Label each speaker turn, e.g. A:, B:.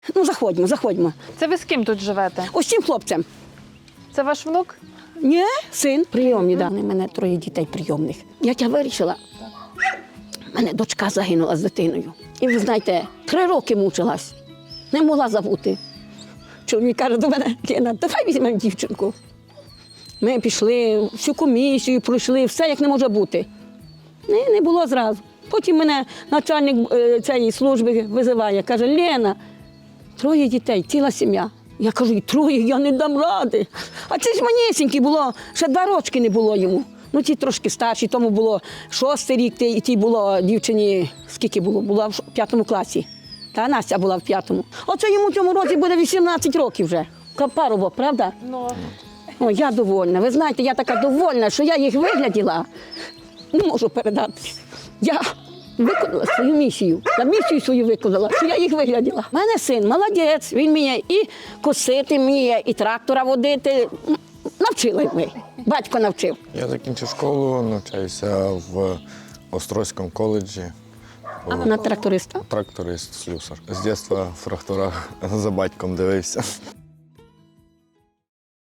A: Ну, заходьмо, заходьмо.
B: Це ви з ким тут живете?
A: Ось цим хлопцем.
B: Це ваш внук?
A: Ні, син прийомний, да. У мене 3 дітей прийомних. Як я вирішила, в мене дочка загинула з дитиною. І ви знаєте, 3 роки мучилась, не могла забути. Чоловік каже до мене: Лена, давай візьмемо дівчинку. Ми пішли, всю комісію пройшли, все як не може бути. Не було зразу. Потім мене начальник цієї служби визиває, каже: Лена, 3 дітей, ціла сім'я. Я кажу: і 3, я не дам ради. А це ж манісінький було, ще 2 роки не було йому. Ну, ті трошки старші, тому було 6-й рік, і тій було дівчині, скільки було? Була в 5 класі. Та Настя була в 5-му. Оце йому в цьому році буде 18 років вже. Парубок, правда?
B: Ну.
A: О, я довольна. Ви знаєте, я така довольна, що я їх вигляділа. Не можу передати. Я виконала свою місію. Я місію свою виконала, що я їх вигляділа. У мене син молодець, він вміє і косити вміє, і трактора водити. Навчили ми. Батько навчив.
C: Я закінчив школу, навчаюся в Острозькому коледжі.
A: На тракториста.
C: Тракторист, слюсар. З дитинства в тракторах за батьком дивився.